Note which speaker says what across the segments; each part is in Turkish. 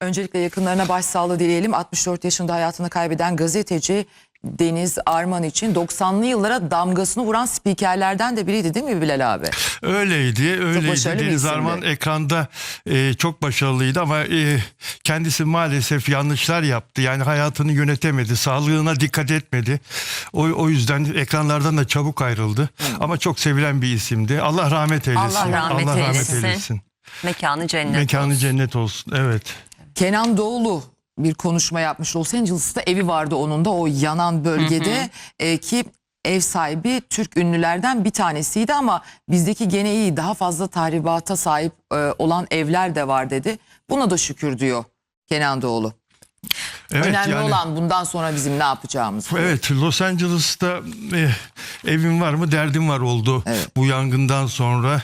Speaker 1: Öncelikle yakınlarına başsağlığı dileyelim. 64 yaşında hayatını kaybeden gazeteci Deniz Arman için 90'lı yıllara damgasını vuran spikerlerden de biriydi değil mi Bilal abi?
Speaker 2: Öyleydi. Deniz Arman ekranda çok başarılıydı ama kendisi maalesef yanlışlar yaptı. Yani hayatını yönetemedi, sağlığına dikkat etmedi. O yüzden ekranlardan da çabuk ayrıldı. Ama çok sevilen bir isimdi. Allah rahmet eylesin.
Speaker 3: Allah rahmet eylesin. Mekanı cennet
Speaker 2: Mekanı
Speaker 3: olsun.
Speaker 2: cennet olsun. Evet.
Speaker 1: Kenan Doğulu bir konuşma yapmış. Los Angeles'ta evi vardı onun da, o yanan bölgede. Ki ev sahibi Türk ünlülerden bir tanesiydi ama bizdeki gene iyi, daha fazla tahribata sahip olan evler de var dedi. Buna da şükür diyor Kenan Doğulu.
Speaker 2: Evet,
Speaker 1: önemli olan bundan sonra bizim ne yapacağımız.
Speaker 2: Evet, Los Angeles'ta evim var mı derdim var oldu. Evet. Bu yangından sonra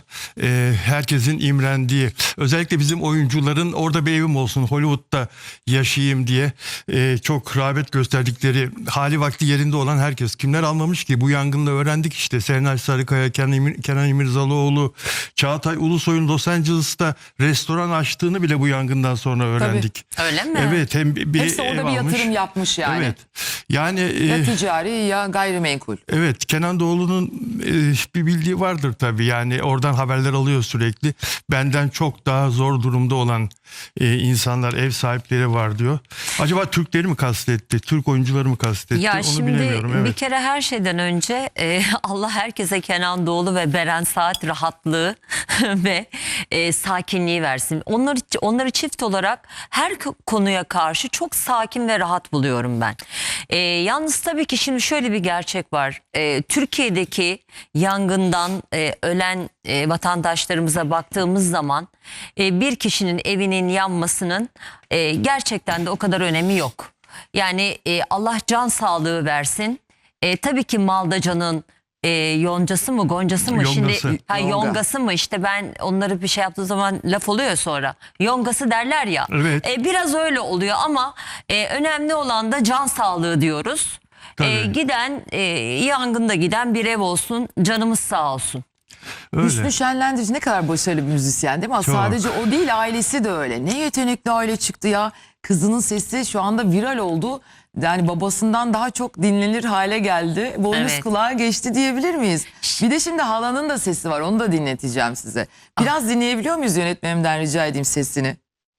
Speaker 2: herkesin imrendiği, özellikle bizim oyuncuların orada bir evim olsun, Hollywood'da yaşayayım diye çok rağbet gösterdikleri, hali vakti yerinde olan herkes. Kimler almamış ki? Bu yangında öğrendik işte. Serenay Sarıkaya, Kenan İmirzalıoğlu, Çağatay Ulusoy'un Los Angeles'ta restoran açtığını bile bu yangından sonra öğrendik.
Speaker 3: Tabii. Öyle mi?
Speaker 2: Evet, hem
Speaker 1: hepsi orada bir yatırım yapmış yani.
Speaker 2: Evet. Yani
Speaker 1: ya ticari ya gayrimenkul.
Speaker 2: Evet, Kenan Doğulu'nun bir bildiği vardır tabii. Yani oradan haberler alıyor sürekli. Benden çok daha zor durumda olan insanlar, ev sahipleri var diyor. Acaba Türkleri mi kastetti? Türk oyuncuları mı kastetti?
Speaker 3: Ya
Speaker 2: onu
Speaker 3: şimdi
Speaker 2: bilemiyorum. Evet.
Speaker 3: Bir kere her şeyden önce Allah herkese Kenan Doğulu ve Beren Saat rahatlığı ve sakinliği versin. Onları çift olarak her konuya karşı çok sakin ve rahat buluyorum ben. Yalnız tabii ki şimdi şöyle bir gerçek var. Türkiye'deki yangından ölen vatandaşlarımıza baktığımız zaman bir kişinin evinin yanmasının gerçekten de o kadar önemi yok. Yani Allah can sağlığı versin. Tabii ki Maldacan'ın yoncası mı goncası mı
Speaker 2: Yongası.
Speaker 3: şimdi yongası mı, işte ben onları bir şey yaptığı zaman laf oluyor sonra yongası derler ya.
Speaker 2: Evet.
Speaker 3: Biraz öyle oluyor ama önemli olan da can sağlığı diyoruz. Giden yangında giden bir ev olsun, canımız sağ olsun.
Speaker 2: Öyle.
Speaker 1: Hüsnü Şenlendirici ne kadar başarılı bir müzisyen değil mi?
Speaker 2: Çok.
Speaker 1: Sadece o değil, ailesi de öyle. Ne yetenekli aile çıktı ya. Kızının sesi şu anda viral oldu. Yani babasından daha çok dinlenir hale geldi. Boynuz kulağa geçti diyebilir miyiz? Bir de şimdi halanın da sesi var. Onu da dinleteceğim size. Biraz dinleyebiliyor muyuz, yönetmenimden rica edeyim sesini?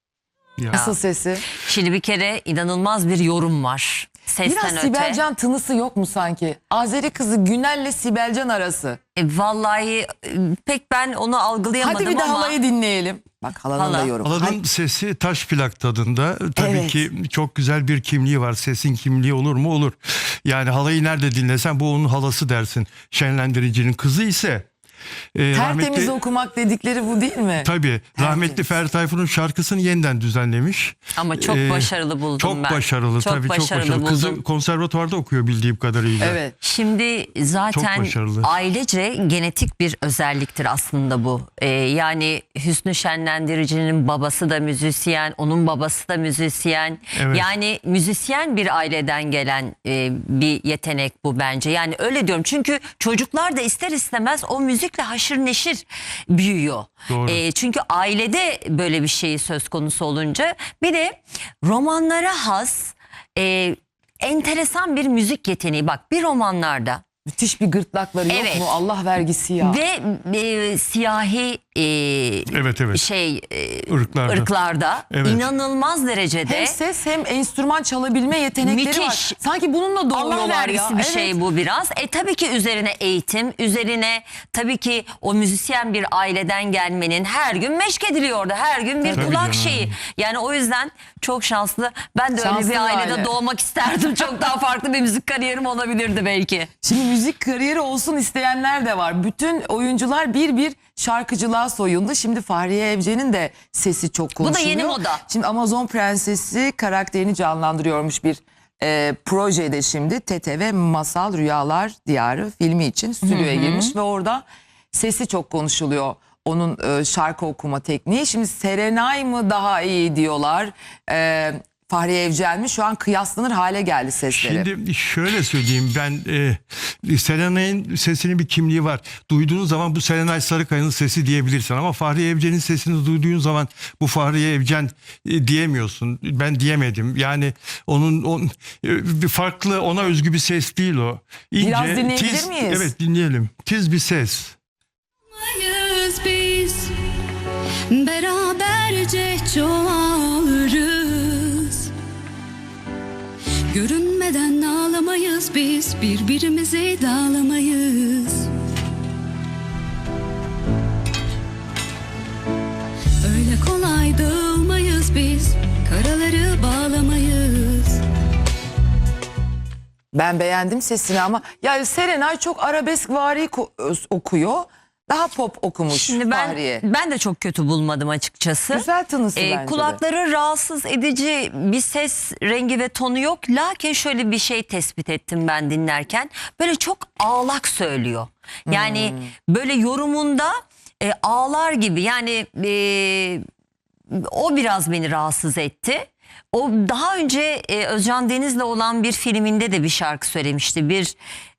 Speaker 2: Ya.
Speaker 1: Nasıl sesi?
Speaker 3: Şimdi bir kere inanılmaz bir yorum var. Sesten
Speaker 1: Biraz
Speaker 3: öte.
Speaker 1: Sibelcan tınısı yok mu sanki? Azeri kızı Günel'le Sibelcan arası.
Speaker 3: Vallahi pek ben onu algılayamadım
Speaker 1: Hadi bir de
Speaker 3: ama.
Speaker 1: halayı dinleyelim. Bak halanın da yorumu.
Speaker 2: Halanın sesi taş plak tadında. Tabii ki çok güzel bir kimliği var. Sesin kimliği olur mu? Olur. Yani halayı nerede dinlesen bu onun halası dersin. Şenlendiricinin kızı ise
Speaker 1: tertemiz okumak dedikleri bu değil mi?
Speaker 2: Tabii. Rahmetli Ferdi Tayfur'un şarkısını yeniden düzenlemiş.
Speaker 3: Ama çok başarılı buldum
Speaker 2: çok
Speaker 3: ben.
Speaker 2: Başarılı,
Speaker 3: çok
Speaker 2: tabii
Speaker 3: başarılı
Speaker 2: çok başarılı.
Speaker 3: buldum.
Speaker 2: Kızı konservatuvarda okuyor bildiğim kadarıyla.
Speaker 1: Evet.
Speaker 3: Şimdi zaten ailece genetik bir özelliktir aslında bu. Yani Hüsnü Şenlendirici'nin babası da müzisyen, onun babası da müzisyen.
Speaker 2: Evet.
Speaker 3: Yani müzisyen bir aileden gelen bir yetenek bu bence. Yani öyle diyorum çünkü çocuklar da ister istemez o müzikle haşır neşir büyüyor. Çünkü ailede böyle bir şey söz konusu olunca, bir de romanlara has enteresan bir müzik yeteneği. Bak, bir romanlarda
Speaker 1: müthiş bir gırtlakları yok mu? Allah vergisi ya.
Speaker 3: Ve siyahi ırklarda inanılmaz derecede
Speaker 1: hem ses hem enstrüman çalabilme yetenekleri
Speaker 3: müthiş
Speaker 1: var. Sanki bununla doğuyorlar ya.
Speaker 3: Allah vergisi bir şey bu biraz. Tabii ki üzerine eğitim, üzerine tabii ki o müzisyen bir aileden gelmenin her gün meşk ediliyordu. Her gün bir kulak şeyi. Yani o yüzden çok şanslı. Ben de öyle bir ailede doğmak isterdim. Çok daha farklı bir müzik kariyerim olabilirdi belki.
Speaker 1: Şimdi müzik kariyeri olsun isteyenler de var. Bütün oyuncular bir şarkıcılığa soyundu. Şimdi Fahriye Evcen'in de sesi çok konuşuluyor.
Speaker 3: Bu da yeni moda.
Speaker 1: Şimdi Amazon Prensesi karakterini canlandırıyormuş bir projede şimdi. TTV Masal Rüyalar Diyarı filmi için stüdyoya girmiş ve orada sesi çok konuşuluyor. Onun şarkı okuma tekniği. Şimdi Serenay mı daha iyi diyorlar. Fahriye Evcen mi? Şu an kıyaslanır hale geldi sesleri.
Speaker 2: Şimdi şöyle söyleyeyim, ben Serenay'ın sesinin bir kimliği var. Duyduğun zaman bu Serenay Sarıkaya'nın sesi diyebilirsin ama Fahriye Evcen'in sesini duyduğun zaman bu Fahriye Evcen diyemiyorsun. Ben diyemedim. Yani onun bir farklı, ona özgü bir ses değil o. İnce,
Speaker 1: Biraz dinleyebilir miyiz?
Speaker 2: Evet, dinleyelim. Tiz bir ses.
Speaker 4: Biz beraberce çoğalırız. Görünmeden ağlamayız biz, birbirimizi dağlamayız. Öyle kolay dağılmayız biz, karaları bağlamayız.
Speaker 1: Ben beğendim sesini ama yani Serenay çok arabeskvari okuyor. Daha pop okumuş
Speaker 3: Şimdi
Speaker 1: Fahriye.
Speaker 3: ben de çok kötü bulmadım açıkçası.
Speaker 1: Güzel tınısı bence de.
Speaker 3: Kulakları rahatsız edici bir ses rengi ve tonu yok. Lakin şöyle bir şey tespit ettim ben dinlerken. Böyle çok ağlak söylüyor. Yani böyle yorumunda ağlar gibi. Yani o biraz beni rahatsız etti. O daha önce Özcan Deniz'le olan bir filminde de bir şarkı söylemişti. Bir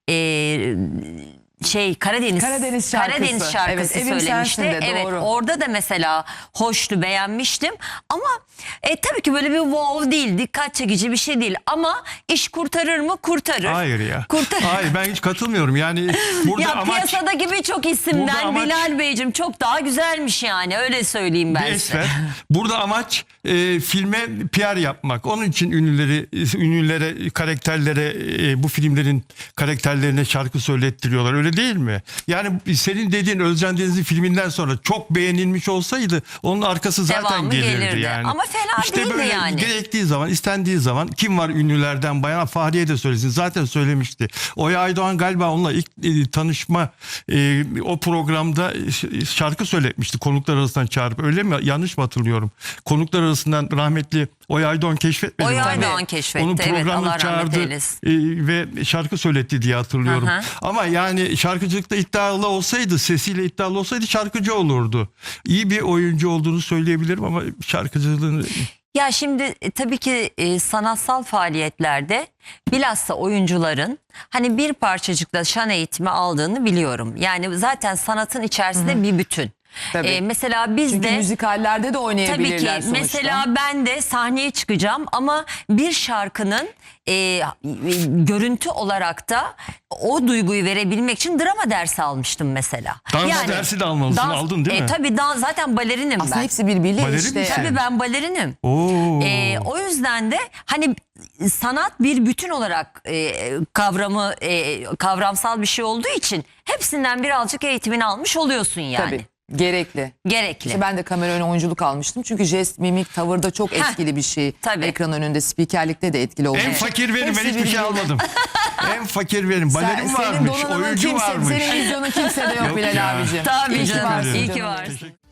Speaker 3: Karadeniz
Speaker 1: şarkısı.
Speaker 3: şarkısı
Speaker 1: Evet, Evim
Speaker 3: söylemişti.
Speaker 1: Sensin de,
Speaker 3: Evet,
Speaker 1: doğru.
Speaker 3: orada da mesela hoştu, beğenmiştim. Ama tabii ki böyle bir wow değil, dikkat çekici bir şey değil. Ama iş kurtarır mı? Kurtarır.
Speaker 2: Hayır ya.
Speaker 3: Kurtarır.
Speaker 2: Hayır, ben hiç katılmıyorum. Yani burada
Speaker 3: Ya
Speaker 2: amaç
Speaker 3: piyasadaki birçok isimden
Speaker 2: Burada amaç-
Speaker 3: Bilal Beyciğim çok daha güzelmiş yani, öyle söyleyeyim ben
Speaker 2: bir
Speaker 3: size.
Speaker 2: esmer. Burada amaç filme PR yapmak. Onun için ünlülere, karakterlere, bu filmlerin karakterlerine şarkı söylettiriyorlar. Öyle değil mi? Yani senin dediğin Özcan Deniz'in filminden sonra çok beğenilmiş olsaydı onun arkası zaten
Speaker 3: Devamı
Speaker 2: gelirdi yani.
Speaker 3: Ama fena değildi
Speaker 2: böyle
Speaker 3: yani.
Speaker 2: gerektiği zaman, istendiği zaman kim var ünlülerden bayan, Fahriye de söylesin. Zaten söylemişti. Oya Aydoğan galiba onunla ilk tanışma o programda şarkı söyletmişti. Konuklar arasından çağırıp, öyle mi? Yanlış mı hatırlıyorum? Konuklar arasından rahmetli Oya Aydoğan keşfetmedi mi?
Speaker 3: Oya
Speaker 2: Tabii.
Speaker 3: Aydoğan keşfetti.
Speaker 2: Onu
Speaker 3: Evet,
Speaker 2: programda
Speaker 3: Allah rahmet
Speaker 2: çağırdı
Speaker 3: eylesin.
Speaker 2: ve şarkı söyletti diye hatırlıyorum.
Speaker 3: Hı hı.
Speaker 2: Ama yani şarkıcılıkta iddialı olsaydı, sesiyle iddialı olsaydı şarkıcı olurdu. İyi bir oyuncu olduğunu söyleyebilirim ama şarkıcılığını...
Speaker 3: Ya şimdi tabii ki sanatsal faaliyetlerde bilhassa oyuncuların hani bir parçacıkla şan eğitimi aldığını biliyorum. Yani zaten sanatın içerisinde bir bütün.
Speaker 1: Tabii.
Speaker 3: Mesela biz
Speaker 1: Çünkü
Speaker 3: de
Speaker 1: müzikallerde de
Speaker 3: tabii
Speaker 1: oynayabilirler
Speaker 3: ki
Speaker 1: sonuçta.
Speaker 3: mesela ben de sahneye çıkacağım ama bir şarkının görüntü olarak da o duyguyu verebilmek için drama dersi almıştım mesela.
Speaker 2: Dans dersi de almalısın, aldın değil mi?
Speaker 3: Tabii zaten balerinim
Speaker 1: Aslında
Speaker 3: ben.
Speaker 1: hepsi birbiriyle
Speaker 2: Balerin
Speaker 1: işte.
Speaker 2: misin?
Speaker 3: Tabii ben balerinim.
Speaker 2: Oo.
Speaker 3: O yüzden de hani sanat bir bütün olarak kavramsal bir şey olduğu için hepsinden birazcık eğitimini almış oluyorsun yani.
Speaker 1: Tabii. Gerekli.
Speaker 3: Gerekli.
Speaker 1: İşte ben de kamera önü oyunculuk almıştım. Çünkü jest, mimik, tavırda çok etkili bir şey.
Speaker 3: Tabii.
Speaker 1: Ekran önünde, spikerlikte de etkili oluyor.
Speaker 2: En fakir benim,
Speaker 1: Hepsi
Speaker 2: ben hiçbir şey
Speaker 1: birbiriyle.
Speaker 2: almadım. En fakir benim. Balerin
Speaker 1: Senin
Speaker 2: varmış,
Speaker 1: donanımın
Speaker 2: oyuncu
Speaker 1: kimse,
Speaker 2: varmış.
Speaker 1: senin vizyonun kimse de yok
Speaker 2: Yok
Speaker 1: Bilal
Speaker 2: ya.
Speaker 1: abicim.
Speaker 3: Tabii
Speaker 1: İyi ki
Speaker 3: canım,
Speaker 1: varsın
Speaker 3: iyi ki
Speaker 1: canım.
Speaker 3: varsın.